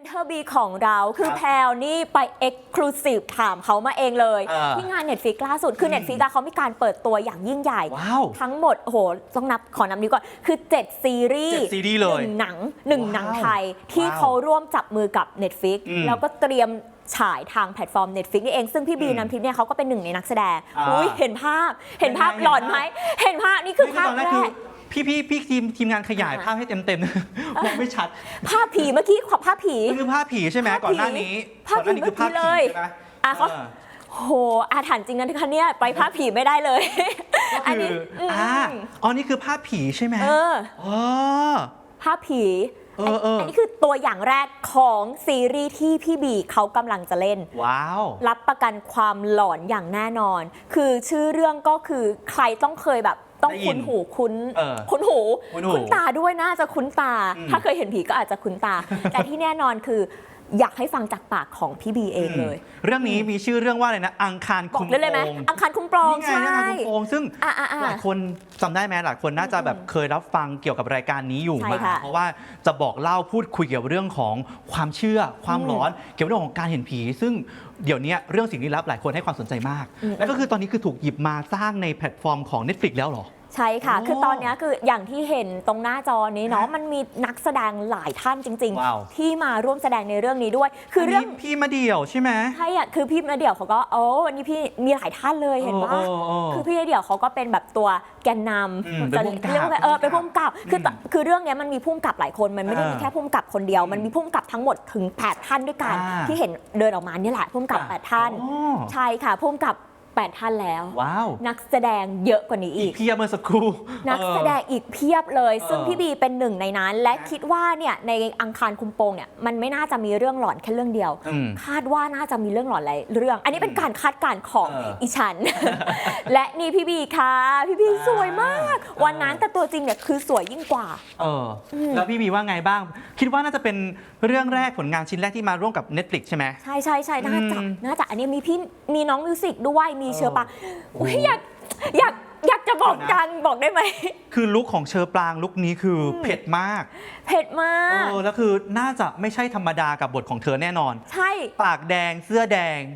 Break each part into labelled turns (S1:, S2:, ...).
S1: เทอร์บีของเราคือแพลวนี่ไปเอ็กซ์คลูซีฟถามเขามาเองเลยที่งาน Netflix ล่าสุดคือ Netflix เขามีการเปิดตัวอย่างยิ่งใหญ่ทั้งหมดโอ้โหต้องขอนับนิ้วก่อนคือ7ซีรีส์1หนังไทยที่เขาร่วมจับมือกับ Netflix แล้วก็เตรียมฉายทางแพลตฟอร์ม Netflix นี่เองซึ่งพี่บีน้ำทิพย์เนี่ยเขาก็เป็นหนึ่งในนักแสดงเห็นภาพหลอนไหมเห็นภาพนี่คือภาพแรก
S2: พี่ทีมงานขยายภาพให้เต็มมองไม่ชัด
S1: ภาพผีเมื่อกี้ภาพผี
S2: คือภาพผีใช่ไหมก่อนหน้านี้
S1: คือภาพผีเลยเขาโหอาถรรพ์จริงนะทุกท่านเนี่ยไปภาพผีไม่ได้เลย
S2: อันนี้นี่คือภาพผีใช่ไหม
S1: ภาพผีอันนี้คือตัวอย่างแรกของซีรีส์ที่พี่บีเขากำลังจะเล่น
S2: ว้าว
S1: รับประกันความหลอนอย่างแน่นอนคือชื่อเรื่องก็คือใครต้องเคยแบบต้องคุ้นหูคุ้นตาด้วยน่าจะคุ้นตาถ้าเคยเห็นผีก็อาจจะคุ้นตาแต่ที่แน่นอนคืออยากให้ฟังจากปากของพี่บีเองเลย
S2: เรื่องนี้มีชื่อเรื่องว่าอะไรนะอังคารคุ้มโปง
S1: อังคารคุ้มโปง
S2: ใช่อังคารคุ้มโปงซึ่งหลายคนจำได้ไหมหลายคนน่าจะแบบเคยรับฟังเกี่ยวกับรายการนี้อยู่มาเพราะว่าจะบอกเล่าพูดคุยเกี่ยวกับเรื่องของความเชื่อความหลอนเกี่ยวกับเรื่องของการเห็นผีซึ่งเดี๋ยวนี้เรื่องสิ่งลี้ลับหลายคนให้ความสนใจมากและก็คือตอนนี้คือถูกหยิบมาสร้างในแพลตฟอร์มของ Netflix แล้วเหรอ
S1: ใช่ค่ะคือตอนนี้คืออย่างที่เห็นตรงหน้าจอนี้เนาะมันมีนักแสดงหลายท่านจริงๆที่มาร่วมแสดงในเรื่องนี้ด้วย
S2: คือเรื่องพี่มาเดี่ยวใช่ไหม
S1: ใช่อะคือพี่มาเดี่ยวเขาก็วันนี้พี่มีหลายท่านเลยเห็นปะคือพี่มาเดี่ยวเขาก็เป็นแบบตัวแกนนำจะเรียกว่าเป็นผู้กำกับคือเรื่องนี้มันมีผู้กำกับหลายคนมันไม่ได้มีแค่ผู้กำกับคนเดียวมันมีผู้กำกับทั้งหมดถึง8ท่านด้วยกันที่เห็นเดินออกมานี่แหละผู้กำกับ8ท่านใช่ค่ะผู้กำกับ8ท่านแล้วนักแสดงเยอะกว่านี้อีก
S2: เพียบเมื่อสักครู่
S1: นักแสดงอีกเพียบเลยซึ่งพี่บีเป็นหนึ่งในนั้นและคิดว่าเนี่ยในอังคารคุมโปงเนี่ยมันไม่น่าจะมีเรื่องหลอนแค่เรื่องเดียวคาดว่าน่าจะมีเรื่องหลอนหลายเรื่องอันนี้เป็นการคาดการณ์ของอีฉันและนี่พี่บีค่ะพี่บีสวยมากวันนั้นแต่ตัวจริงเนี่ยคือสวยยิ่งกว่า
S2: แล้วพี่บีว่าไงบ้างคิดว่าน่าจะเป็นเรื่องแรกผลงานชิ้นแรกที่มาร่วมกับ Netflix ใช่ไหม
S1: ใช่น่าจะอันนี้มีน้องมิวสิกด้วยมีเชอปางอยากจะบอกดังบอกได้ไหม
S2: คือลุคของเชอปรางลุคนี้คือเผ็ดมากแล้วคือน่าจะไม่ใช่ธรรมดากับบทของเธอแน่นอน
S1: ใช่
S2: ปากแดงเสื้อแดง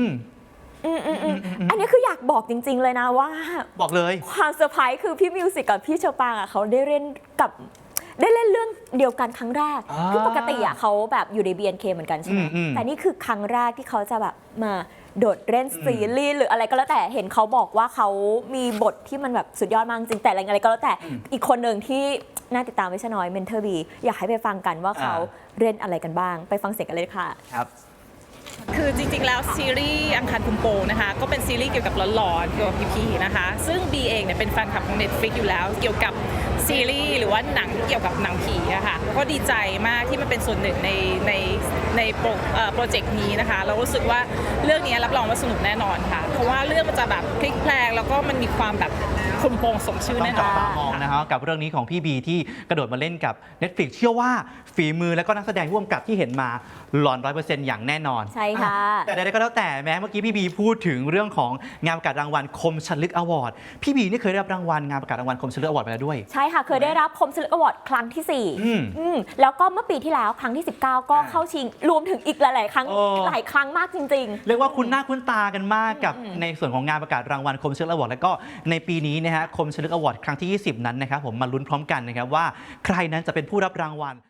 S1: อันนี้คืออยากบอกจริงๆเลยนะว่า
S2: บอกเลย
S1: ความเซอร์ไพรส์คือพี่มิวสิกกับพี่เชอปรางเขาได้เล่นเรื่องเดียวกันครั้งแรกคือปกติเขาแบบอยู่ใน BNK เหมือนกันใช่ไหมแต่นี่คือครั้งแรกที่เขาจะแบบมาโดดเล่นซีรีส์หรืออะไรก็แล้วแต่เห็นเขาบอกว่าเขามีบทที่มันแบบสุดยอดมากจริงแต่อะไรก็แล้วแต่อีกคนหนึ่งที่น่าติดตามไม่ใช่น้อยเมนเทอร์บีอยากให้ไปฟังกันว่าเขาเล่นอะไรกันบ้างไปฟังเสียงกันเลยค่ะ
S2: ครับ
S3: คือจริงๆแล้วซีรีส์อังคารคุมโปงนะคะก็เป็นซีรีส์เกี่ยวกับหลอนๆเกี่ยวกับผีๆนะคะซึ่งบีเองเนี่ยเป็นแฟนคลับของ Netflix อยู่แล้วเกี่ยวกับซีรีส์หรือว่าหนังเกี่ยวกับหนังผีอะค่ะแล้วก็ดีใจมากที่มันเป็นส่วนหนึ่งในโปรเจกต์นี้นะคะเรารู้สึกว่าเรื่องนี้รับรองว่าสนุกแน่นอนค่ะเพราะว่าเรื่องมันจะแบบพลิกแพลงแล้วก็มันมีความแบบคุมโปงสมชื่อแน่นอน
S2: มองนะครับกับเรื่องนี้ของพี่บีที่กระโดดมาเล่นกับ Netflix เชื่อว่าฝีมือและก็นักแสดงร่วมกับที่เห็นมาหลอน 100% อย่างแน่นอน
S1: ใช่ค่ะ
S2: แต่ใดๆก็แล้วแต่แม้เมื่อกี้พี่บีพูดถึงเรื่องของงานประกาศรางวัลคมชลึกอวอร์ดพี่บีนี่เคยได้รับรางวัลงานประกาศรางวัลคมชลึกอวอร์ดไปแล้วด้วย
S1: ใช่ค่ะเคยได้รับคมชลึกอวอร์ดครั้งที่4แล้วก็เมื่อปีที่แล้วครั้งที่19ก็เข้าชิงรวมถึงอีกหลายๆครั้งหลายครั้งมากจริง
S2: ๆเรียกว่าคุ้นหน้าคุ้นตากันมากกับในส่วนของงานประกาศรางวัลคมชลึกอวอร์ดแล้วก็ในปีนี้นะฮะคมชลึกอวอร์ดครั้งที่20นั้นนะครับผมมาลุ้นพร้อมกันนะครับว่าใครนั้นจะเป็นผู้รับรางวัล